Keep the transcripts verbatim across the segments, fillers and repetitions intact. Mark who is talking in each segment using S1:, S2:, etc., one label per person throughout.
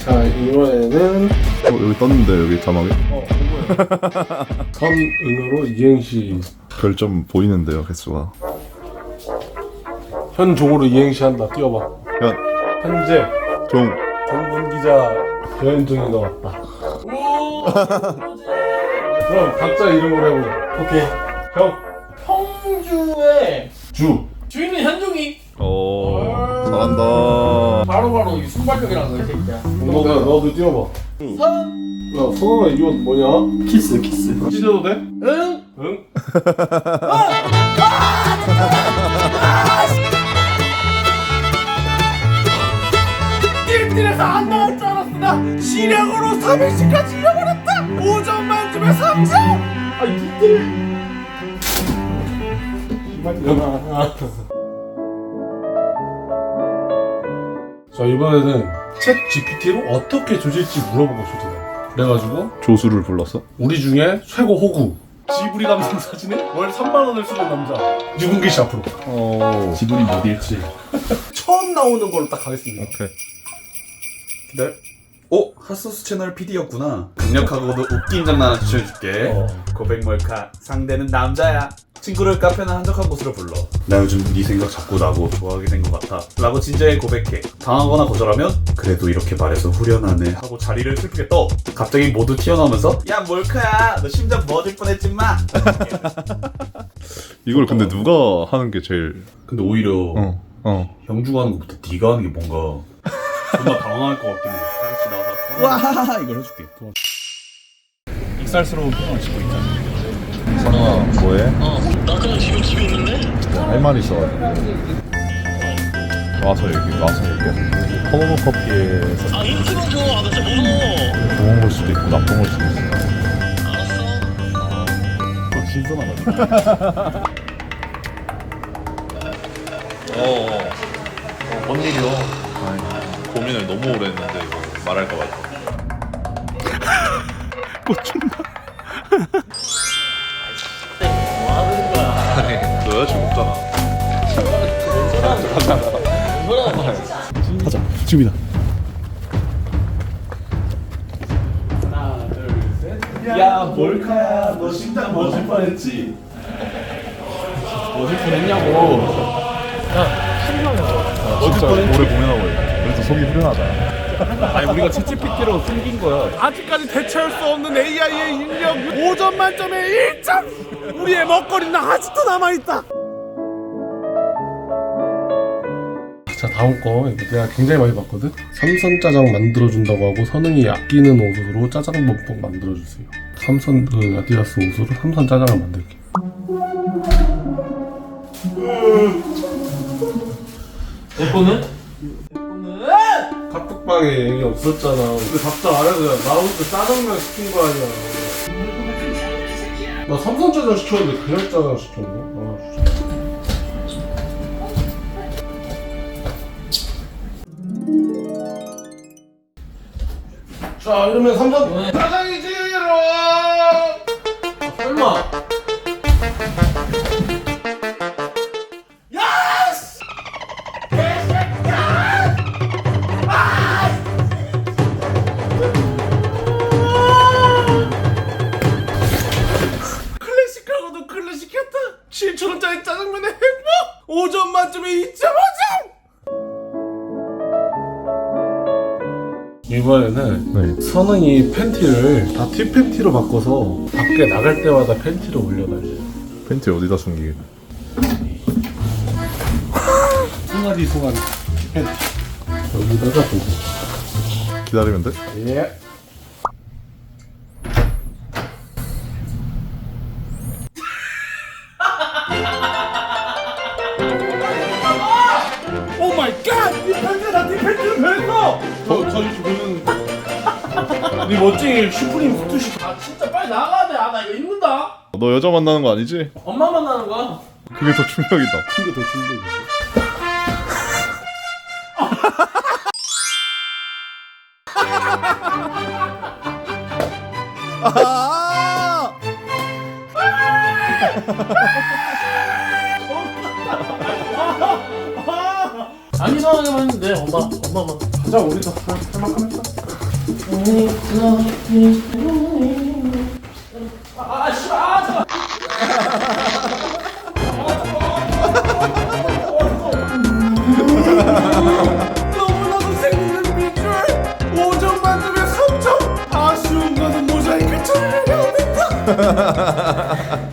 S1: 자, 이번에는
S2: 어 여기 떴는데 여기 자막에
S1: 어, 이거야. 선응으로 이행시.
S2: 별점 보이는데요 개수가.
S1: 현종으로 이행시 한다. 띄워봐.
S2: 현,
S1: 현재
S2: 종,
S1: 종군 기자 변종이가 왔다.
S3: 오.
S1: 그럼 각자 이름으로 해보자.
S3: 오케이.
S1: 형,
S3: 형주의
S1: 주.
S3: 주인은 현종이.
S2: 오 잘한다.
S3: 바로바로 이 순발력이라는 거 이 새끼야.
S1: 너도 너도 띄워봐.
S3: 선.
S1: 야, 성원아 이거 뭐냐?
S3: 키스 키스.
S1: 찢어도 돼?
S3: 응.
S1: 응?
S3: 띨띨해서 안 나올 줄 알았어. 나 시력으로 삼 일씩까지 잃어버렸다. 오 점 만점에 삼 점. 아 이틀.
S1: 일어나. 자, 이번에는 챗 지피티로 어떻게 조질지 물어보고 조질래. 그래가지고
S2: 조수를 불렀어?
S1: 우리 중에 최고 호구 지브리 감성 사진에 월 삼만 원을 쓰는 남자 유근기 씨 앞으로.
S2: 오
S3: 지분이 못 잃지.
S1: 처음 나오는 걸로 딱 가겠습니다.
S2: 오케이.
S1: 네.
S4: 오! 핫소스 채널 피디였구나. 강력하고도 웃긴 장난 하나 추천해줄게.
S1: 어.
S4: 고백 몰카. 상대는 남자야. 친구를 카페나 한적한 곳으로 불러. 나 요즘 네 생각 자꾸 나고 좋아하게 된 것 같아. 라고 진지하게 고백해. 당하거나 거절하면 그래도 이렇게 말해서 후련하네 하고 자리를 슬프게 떠. 갑자기 모두 튀어나오면서 야 몰카야 너 심장 멎을 뻔했지 마.
S2: 이걸 근데 누가 하는 게 제일
S4: 근데 오히려
S2: 어 어.
S4: 형주가 하는 것보다 네가 하는 게 뭔가 존나 당황할 것 같긴 해. 다같이 나와서 와 이걸 해줄게. 익살스러운 표정을 짓고 있잖아.
S2: 선아 뭐해?
S5: 어, 나 그냥 지금 집에 있는데?
S2: 할 말 있어가지고 와서 여기 와서 얘기해. 커버 커피에서
S5: 아, 힌트만 줘. 아, 나 진짜 무서워.
S2: 좋은 걸 수도 있고 나쁜 걸 수도 있어.
S5: 알았어.
S2: 신선하다.
S6: 어, 어. 어, 뭔 일이요? 아니, 고민을 너무 오래 했는데 이거 말할까 말까.
S2: 꽂힌다.
S5: 뭐 하는 거야?
S6: 아니, 너 여자친구 없잖아.
S2: 가자. 지금이다.
S4: 야 몰카야 너 심장 멎을 뻔했지. 멎을 뻔했냐고.
S2: 진짜 오래 고민하고 있어. 그래서 속이 후련하다.
S1: 아니, 우리가 챗지피티로 숨긴 거야. 아직까지 대체할 수 없는 에이아이의 인력 오 점 만점에 일 점. 우리의 먹거리는 아직도 남아있다. 자, 다음 거 이거 내가 굉장히 많이 봤거든. 삼선 짜장 만들어준다고 하고 선웅이 아끼는 옷으로 짜장 범벅 만들어주세요. 삼선 그 아디다스 옷으로 삼선 짜장을 만들게.
S3: 내 거는?
S1: 카톡방에 얘기 없었잖아. 근데 답장 안 해서 그냥 나 혼자 짜장면 시킨 거 아니야. 나 삼선 짜장 시켰는데 그냥 짜장 시켰네. 아, 진짜. 자, 이러면 삼선 짜장이지롱. 아, 설마. 클래식하고도 클래식했다. 칠천 원짜리 짜장면의 행복. 오 점 만점에 이 점 오 점. 이번에는
S2: 네.
S1: 선웅이 팬티를 다 티 팬티로 바꿔서 밖에 나갈 때마다 팬티를 올려달래.
S2: 팬티 어디다 숨기게?
S1: 송아지 송아지 티 팬티 여기다가 두고.
S2: 기다리면 돼?
S1: 예. 오 마이 갓! 이 팬티가 나네 팬티를 변했어! 저, 저 요즘 보는 네 멋쟁이 슈프림 후투시. 아 진짜 빨리 나가야 돼. 아 나 이거 입는다.
S2: 너 여자 만나는 거 아니지?
S3: 엄마 만나는 거야.
S2: 그게 더 충격이다.
S1: 이게 더 충격이지.
S3: 안 이상하게만 했는데 엄마 엄마만.
S1: 가자, 우리도 할 만큼 했다.
S3: 너무나도 재밌는 비주얼 오 점 만점에 삼 점 아쉬운 것은 모자이크 처리를 해야 된다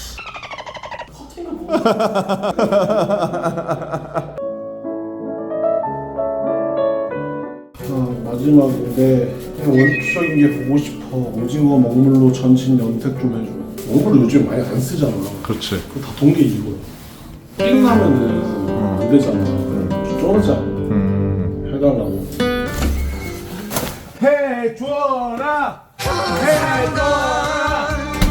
S1: 어, 마지막인데 그냥 원초적인 게 보고 싶어. 오징어 먹물로 전신 염색 좀 해줘. 먹물을 요즘 많이 안 쓰잖아.
S2: 그렇지.
S1: 그거 다 동계 이거야. 삥나면은 안 되잖아. 좀 쫄지 않아.
S2: 음.
S1: 해달라고.
S3: 해줘라 해줘라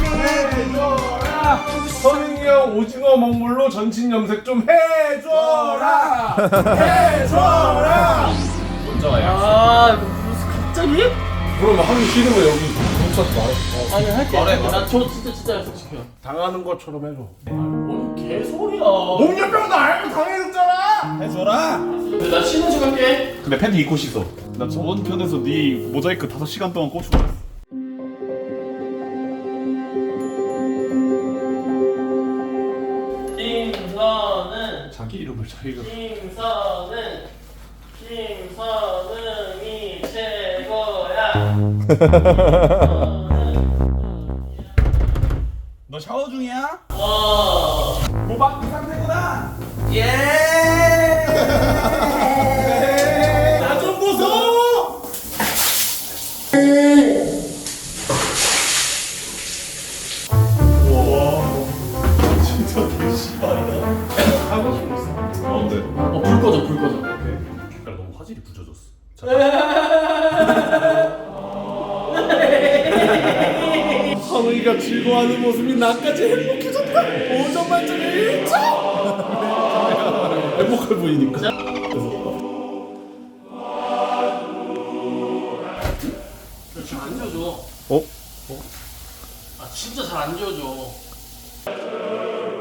S3: 해줘라 선웅이 형 오징어 먹물로 전신 염색 좀 해줘라 해줘라
S5: 아 무슨 갑자기?
S1: 그럼 하기 싫으면 여기 경찰서 말아.
S5: 아니 할게. 나저 진짜 진짜 약속시켜요.
S1: 당하는 것처럼 해줘.
S5: 뭔 개소리야.
S3: 몸열병도 알고 당해줬잖아 해줘라
S5: 근데 나 쉬는 중 할게.
S4: 근데 팬티 입고 씻어. 나 저번 편에서 네 모자이크 다섯 시간 동안 꽂히고 있어.
S5: 김선은
S4: 자기 이름을 자기가.
S5: 김선은 김선웅이 최고야.
S3: 너 샤워 중이야?
S5: 와.
S3: 모박 이 상태구나 예! 나 좀 보소!
S5: 하고 싶어 있어.
S4: 어, 근데
S5: 어, 불 꺼져, 불 꺼져.
S4: 색깔 너무 화질이 부져졌어.
S3: 선웅이가 즐거워하는 모습이 나까지 행복해졌다 오 점 만점에 일 점
S1: 행복해 보이니까.
S5: 잘안 지워져.
S2: 어?
S5: 아, 진짜 잘 안 지워져.